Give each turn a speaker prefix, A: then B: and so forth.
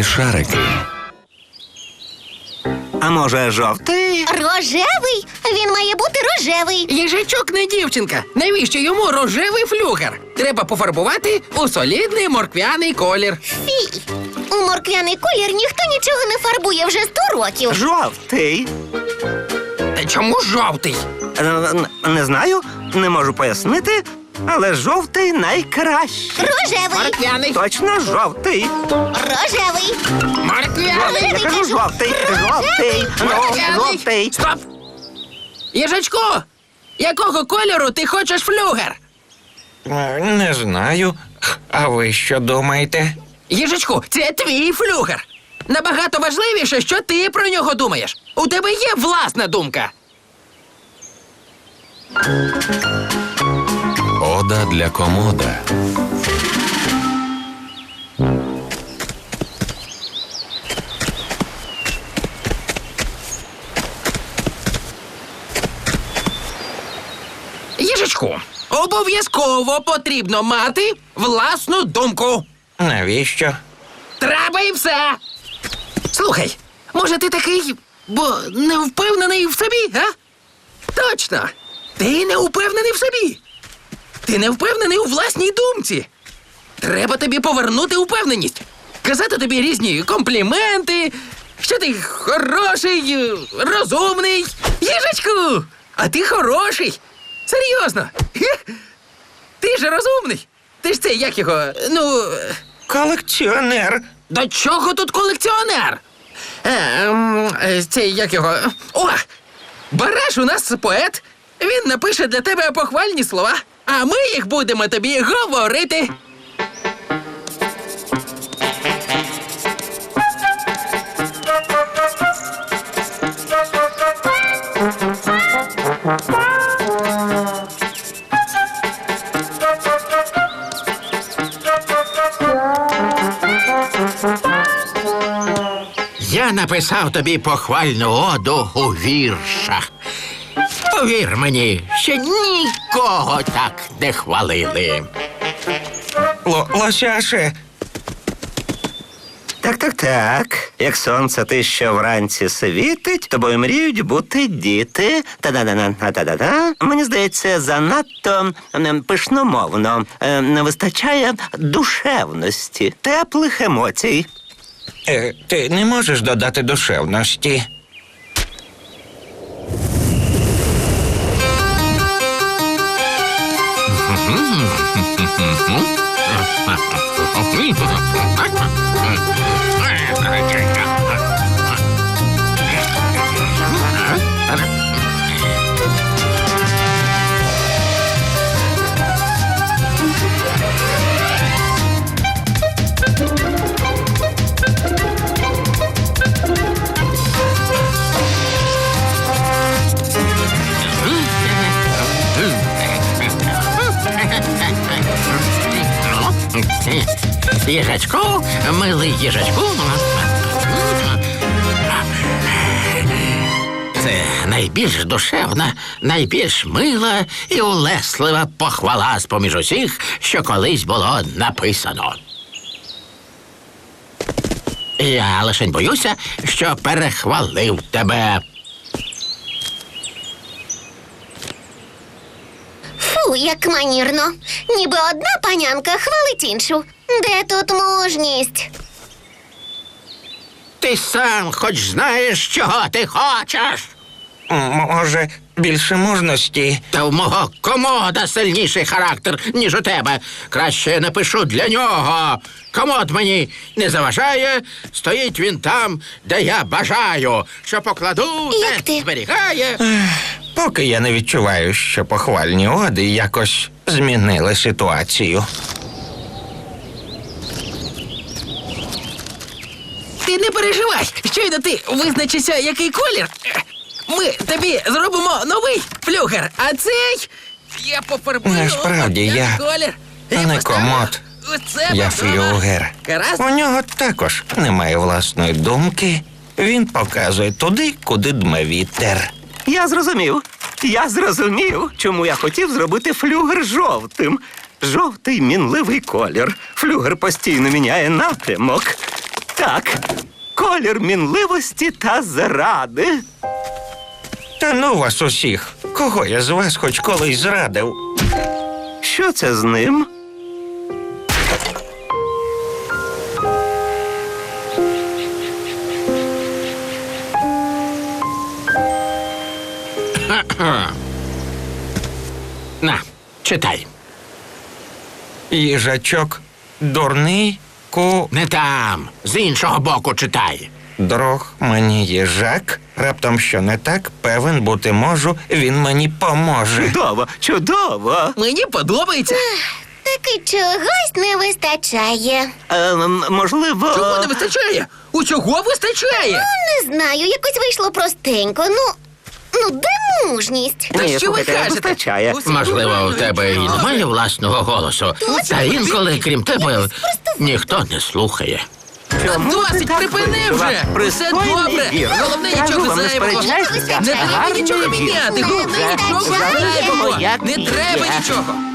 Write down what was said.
A: рожеві шарики.
B: А може, жовтий?
C: Рожевий? Він має бути рожевий.
D: Їжачок не дівчинка. Навіщо йому рожевий флюгер? Треба пофарбувати у солідний морквяний колір.
C: Фій. У морквяний колір ніхто нічого не фарбує вже 100 років.
B: Жовтий.
D: Та чому жовтий?
B: Не знаю, не можу пояснити, але жовтий найкращий.
C: Рожевий.
D: Морквяний.
B: Точно жовтий.
C: Рожевий.
D: Морквяний.
B: Я кажу жовтий. Жовтий. Ну,
D: Морквяний.
B: жовтий.
D: Стоп! Їжачку, якого кольору ти хочеш флюгер?
E: Не знаю. А ви що думаєте?
D: Їжачку, це твій флюгер. Набагато важливіше, що ти про нього думаєш. У тебе є власна думка.
A: Ода для комода.
D: Їжачку, обов'язково потрібно мати власну думку.
E: Навіщо?
D: Треба і все. Слухай, може ти такий, бо не впевнений в собі, а? Точно. Ти не впевнений в собі. Ти не впевнений у власній думці. Треба тобі повернути впевненість. Казати тобі різні компліменти, що ти хороший, розумний. Їжачку, а ти хороший. Серйозно. Ти ж розумний. Ти ж це, як його,
E: Колекціонер.
D: До чого тут колекціонер? Це як його. О! Бараш у нас поет. Він напише для тебе похвальні слова, а ми їх будемо тобі говорити.
F: Я написав тобі похвальну оду у віршах. Повір мені, ще нікого так не хвалили.
E: Лосяше.
B: Так. Як сонце те, що вранці світить, тобою мріють бути діти. Та-да-да-да-та-да-да. Мені здається, занадто пишномовно. Не вистачає душевності, теплих емоцій.
E: Ти не можеш додати душевності.
F: Їжачку, милий їжачку. Це найбільш душевна, найбільш мила і улеслива похвала з-поміж усіх, що колись було написано. Я лишень боюся, що перехвалив тебе.
C: Фу, як манірно. Ніби одна панянка хвалить іншу. Де тут мужність?
F: Ти сам хоч знаєш, чого ти хочеш.
E: Може, більше мужності?
F: Та в мого комода сильніший характер, ніж у тебе. Краще я напишу для нього. Комод мені не заважає, стоїть він там, де я бажаю. Що покладу,
C: Як
F: те
C: ти?
F: зберігає.
E: Поки я не відчуваю, що похвальні оди якось змінили ситуацію.
D: Ти не переживай, щойно ти визначишся, який колір. Ми тобі зробимо новий флюгер, а цей я пофарбую.
E: Насправді я
D: колір.
E: не комод. Я флюгер.
D: Гаразд?
E: У нього також немає власної думки. Він показує туди, куди дме вітер.
B: Я зрозумів, чому я хотів зробити флюгер жовтим. Жовтий мінливий колір. Флюгер постійно міняє напрямок. Так, колір мінливості та зради.
E: Та ну вас усіх. Кого я з вас хоч колись зрадив?
B: Що це з ним?
F: На, читай.
E: Їжачок дурний
F: Не там, з іншого боку читай.
E: дрог мені їжак. Раптом що не так, певен бути можу, він мені поможе.
B: Чудово, чудово.
D: Мені подобається.
C: Таки чогось не вистачає.
B: Можливо.
D: Чого не вистачає? Усього вистачає.
C: Не знаю, якось вийшло простенько. Ну, де мужність?
D: Та
B: Ні,
D: що ви
B: слухайте,
D: кажете?
B: вистачає.
D: Усі
F: Можливо, у
D: нормально.
F: тебе і немає власного голосу. Та інколи, крім тебе, ніхто не слухає.
B: Чому ти
D: Досить,
B: так
D: припини
B: вийшла?
D: вже! Все
B: Пристойний
D: добре!
B: вір.
D: Головне,
B: Кажу
D: нічого
B: вам, не
D: зайвого!
B: сперечайтеся.
D: Не треба
B: Гарний
D: нічого
B: вір.
D: міняти! Головне,
C: Не
D: нічого
C: вистачає.
D: зайвого!
B: Як
D: Не
B: є.
D: треба нічого!